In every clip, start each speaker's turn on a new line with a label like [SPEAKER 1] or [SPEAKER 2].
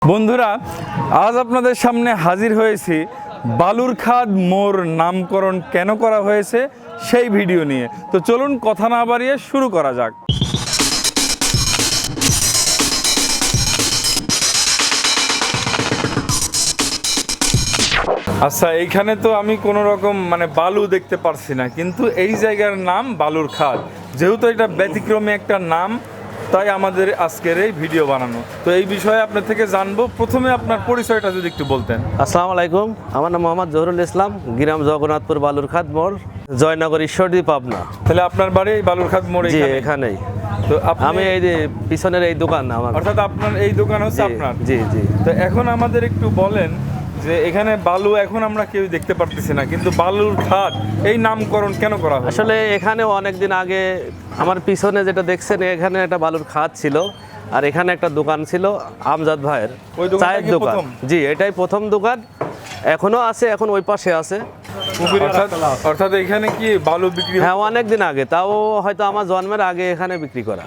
[SPEAKER 1] বন্ধুরা, আজ আপনাদের সামনে হাজির হয়েছি বালুরখাদ মোড় নামকরণ কেন করা হয়েছে সেই ভিডিও নিয়ে। তো চলুন কথা না বাড়িয়ে শুরু করা যাক। আচ্ছা, এইখানে তো আমি কোনো রকম বালু দেখতে পারছি না, কিন্তু এই জায়গার নাম বালুরখাদ। যেহেতু এটা ব্যতিক্রমী একটা নাম, তাই আমাদের আজকের এই ভিডিও বানানো। তো এই বিষয়ে আপনার থেকে জানবো। প্রথমে আপনার পরিচয়টা যদি একটু বলতেন।
[SPEAKER 2] আসসালামু আলাইকুম, আমার নাম মোহাম্মদ জহুরুল ইসলাম, গ্রাম জগন্নাথপুর, বালুরখাদ মোড়, জয়নগর, ঈশ্বরদী, পাবনা।
[SPEAKER 1] তাহলে আপনার বাড়ি এই বালুরখাদ মোড়ে?
[SPEAKER 2] জি, এখানেই।
[SPEAKER 1] তো
[SPEAKER 2] আমি এই যে পিছনের এই দোকান আমার।
[SPEAKER 1] অর্থাৎ আপনার এই দোকান হচ্ছে আপনার?
[SPEAKER 2] জি জি।
[SPEAKER 1] তো এখন আমাদের একটু বলেন যে এখানে বালু এখন আমরা কেউ দেখতে পারতেছি না, কিন্তু বালুরখাদ এই নামকরণ কেন করা হয়?
[SPEAKER 2] আসলে এখানে অনেকদিন আগে আমার পিছনে যেটা দেখছেন, এখানে একটা বালুর খাদ ছিল, আর এখানে একটা দোকান ছিল আমজাদ ভাইয়ের, চায়ের দোকান। জি, এটাই প্রথম দোকান, এখনো আছে, এখন ওই পাশে আছে।
[SPEAKER 1] অর্থাৎ এখানে কি বালু বিক্রি?
[SPEAKER 2] হ্যাঁ, অনেকদিন আগে, তাও হয়তো আমার জন্মের আগে এখানে বিক্রি করা।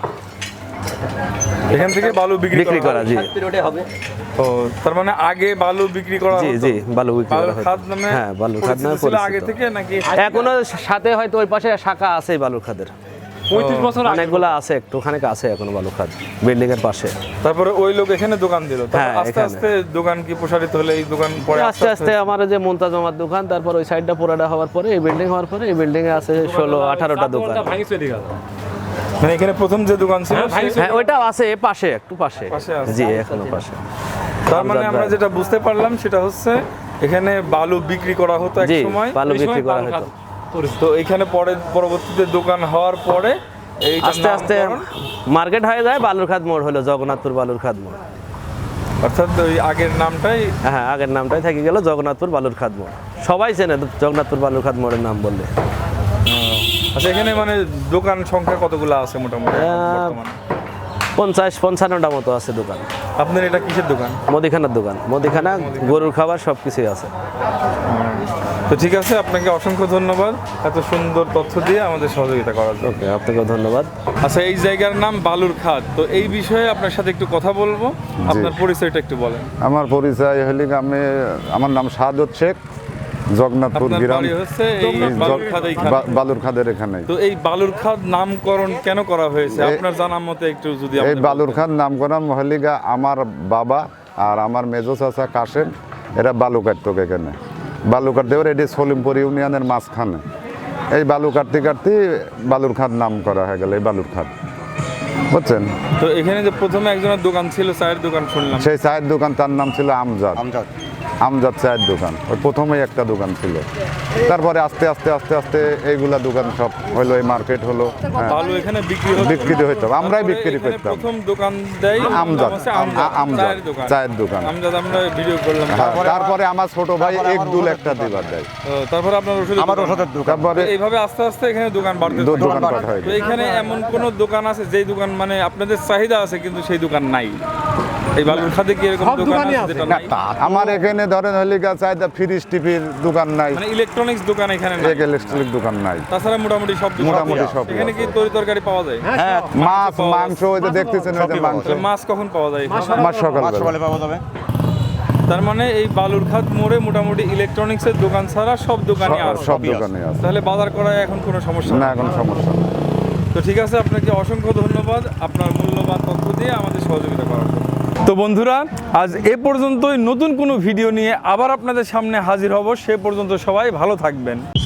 [SPEAKER 1] এখান থেকে বালু বিক্রি করা?
[SPEAKER 2] জি।
[SPEAKER 1] ও, তার মানে আগে বালু বিক্রি করা?
[SPEAKER 2] জি জি, বালু বিক্রি করা।
[SPEAKER 1] বালুরখাদ নামে?
[SPEAKER 2] হ্যাঁ, বালুরখাদ নামে
[SPEAKER 1] ছিল আগে থেকে নাকি
[SPEAKER 2] এখনো? সাথে হয়তো ওই পাশে শাখা আছে বালুরখাদের,
[SPEAKER 1] 35 বছর
[SPEAKER 2] অনেকগুলো আছে, একটুখানি আছে এখনো বালুরখাদ বিল্ডিং এর পাশে।
[SPEAKER 1] তারপরে ওই লোক এখানে দোকান দিল,
[SPEAKER 2] হ্যাঁ,
[SPEAKER 1] আস্তে আস্তে দোকান কি প্রসারিত হলে এই দোকান পরে
[SPEAKER 2] আস্তে আস্তে আমার যে মুমতাজ আমার দোকান, তারপর ওই সাইডটা পুরাটা হওয়ার পরে এই বিল্ডিং হওয়ার পরে এই বিল্ডিং এ আছে 16-18টা দোকান।
[SPEAKER 1] মানে এখানে প্রথম যে দোকান ছিল?
[SPEAKER 2] হ্যাঁ, ওইটাও আছে পাশে, একটু পাশে। জি, এখনো পাশে।
[SPEAKER 1] তার মানে আমরা যেটা বুঝতে পারলাম সেটা হচ্ছে এখানে বালু বিক্রি করা হতো এক সময়।
[SPEAKER 2] বালু বিক্রি করা হতো।
[SPEAKER 1] তো এখানে পরবর্তীতে দোকান হওয়ার পরে এই
[SPEAKER 2] আস্তে আস্তে মার্কেট হয়ে যায়, বালুরখাদ মোড় হলো জগন্নাথপুর বালুরখাদ মোড়।
[SPEAKER 1] অর্থাৎ ওই আগের নামটাই?
[SPEAKER 2] হ্যাঁ, আগের নামটাই থেকে গেল জগন্নাথপুর বালুরখাদ মোড়। সবাই চেনে জগন্নাথপুর বালুরখাদ মোড়ের নাম বললে।
[SPEAKER 1] আচ্ছা, এখানে দোকান সংখ্যা কতগুলো আছে মোটামুটি?
[SPEAKER 2] 50-55টা মতো আছে দোকান।
[SPEAKER 1] আপনার এটা কিসের দোকান?
[SPEAKER 2] মুদিখানার দোকান, মুদিখানা, গরুর খাবার, সব কিছুই আছে।
[SPEAKER 1] তো ঠিক আছে, আপনাকে অসংখ্য ধন্যবাদ এত সুন্দর তথ্য দিয়ে আমাদের সহযোগিতা করার জন্য।
[SPEAKER 2] ওকে, আপনাকেও ধন্যবাদ।
[SPEAKER 1] আচ্ছা, এই জায়গার নাম বালুরখাদ, তো এই বিষয়ে আপনার সাথে একটু কথা বলবো। আপনার পরিচয়টা একটু বলেন।
[SPEAKER 3] আমার পরিচয় হলে আমার নাম শাহাদত শেখ, জগন্নাথপুর গ্রাম, বালুরখাদের এখানে।
[SPEAKER 1] তো এই বালুরখাদ নামকরণ কেন করা হয়েছে আপনার জানার মতে একটু যদি?
[SPEAKER 3] এই বালুরখাদ নামকরণ মহলিগা আমার বাবা আর আমার মেজো চাচা কাশেম, এরা বালু কাটতো এখানে। বালু কাটতে এবার এটি সলিমপুর ইউনিয়নের মাঝখানে। এই বালু কাটতে কাটতে বালুরখাদ নাম করা হয়ে গেল, এই বালুরখাদ, বুঝছেন?
[SPEAKER 1] তো এখানে যে প্রথমে একজনের দোকান ছিল, চায়ের দোকান শুনলাম,
[SPEAKER 3] সেই চায়ের দোকান, তার নাম ছিল আমজাদ চায়ের দোকান। ওই প্রথমেই একটা দোকান ছিল, তারপরে আস্তে আস্তে আস্তে আস্তে এইগুলা দোকান সব হলো, এই মার্কেট হলো।
[SPEAKER 1] বালু এখানে
[SPEAKER 3] বিক্রি হইতো, আমরাই বিক্রি করতাম।
[SPEAKER 1] প্রথম দোকান দেয়
[SPEAKER 3] আমজাদ চায়ের দোকান।
[SPEAKER 1] আমরা ভিডিও করলাম।
[SPEAKER 3] তারপরে আমার ছোট ভাই একদুল একটা দিবার দেয়।
[SPEAKER 1] তারপরে আপনার ওষুধের দোকান।
[SPEAKER 3] তারপরে
[SPEAKER 1] এইভাবে আস্তে আস্তে এখানে দোকান বাড়তে থাকে। তো এখানে এমন কোন দোকান আছে যেই দোকান আপনাদের চাহিদা আছে কিন্তু সেই দোকান নাই? এই বালুরখাদে কি এরকম দোকান আছে যেটা নাই?
[SPEAKER 3] আমার এখানে ধরেন হলিকা চাহিদা ফ্রিজ টিভির দোকান নাই,
[SPEAKER 1] ইলেকট্রনিক্স দোকান এখানে নাই,
[SPEAKER 3] ইলেকট্রিক দোকান নাই।
[SPEAKER 1] তাছাড়া মোটামুটি সব এখানে কি তরকারি পাওয়া যায়?
[SPEAKER 3] হ্যাঁ, মাছ, মাংস, ওই যে দেখতেছেন, ওই যে
[SPEAKER 1] মাছ কখন পাওয়া যায়?
[SPEAKER 3] মাছ সকালে পাওয়া যাবে।
[SPEAKER 1] তার মানে এই বালুরখাদ মোড়ে মোটামুটি ইলেকট্রনিক্সের দোকান ছাড়া সব দোকানই আছে?
[SPEAKER 3] সব দোকানই আছে।
[SPEAKER 1] তাহলে বাজার করায় এখন কোনো সমস্যা
[SPEAKER 3] না, এখন সমস্যা না।
[SPEAKER 1] তো ঠিক আছে, আপনাকে অসংখ্য ধন্যবাদ আপনার মূল্যবান তথ্য দিয়ে আমাদের সহযোগিতা করার জন্য। তো বন্ধুরা, আজ এ পর্যন্তই। নতুন কোনো ভিডিও নিয়ে আবার আপনাদের সামনে হাজির হব। সে পর্যন্ত সবাই ভালো থাকবেন।